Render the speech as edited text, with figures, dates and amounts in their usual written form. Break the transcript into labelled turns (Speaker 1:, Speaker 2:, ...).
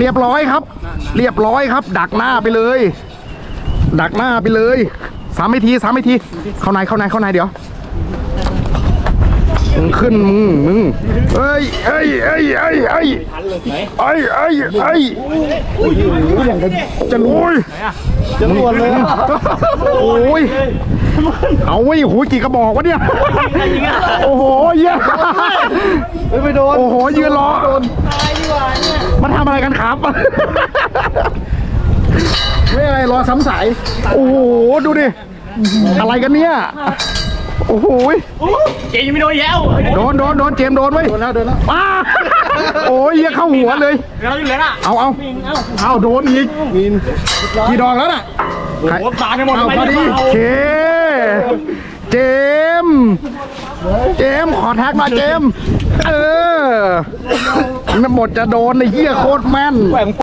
Speaker 1: รียบร้อยครับ เรียบร้อยครับ ดักหน้าไปเลย ดักหน้าไปเลย3 วิธีเข้าในเดี๋ยวมึงขึ้นมึงเอ้ยจะโอ้ยจะรวนเลยโอ้ยเอาไว้หูกี่กระบอกวะเนี่ยโอ้โหเยอะไม่โดนโอ้โหยืนรอมันทำอะไรกันครับไม่อะไรรอซ้ำสายโอ้โหดูดิอะไรกันเนี่ยโอ้โห
Speaker 2: เจยังไม่โดนแย้ว
Speaker 1: โดนเจมโดนไว้โดนแล้วป้าโอ้ยเยี่ยเข้าหัวเลย
Speaker 2: เราอยู่เลยน่ะ
Speaker 1: เอาโดนอีกกี่ดอกแล้วน่ะ
Speaker 2: หัวตาในหมด
Speaker 1: พอดีเจมขอแท็กมาเจมมันหมดจะโดนในเยี่ยโคตรแม่น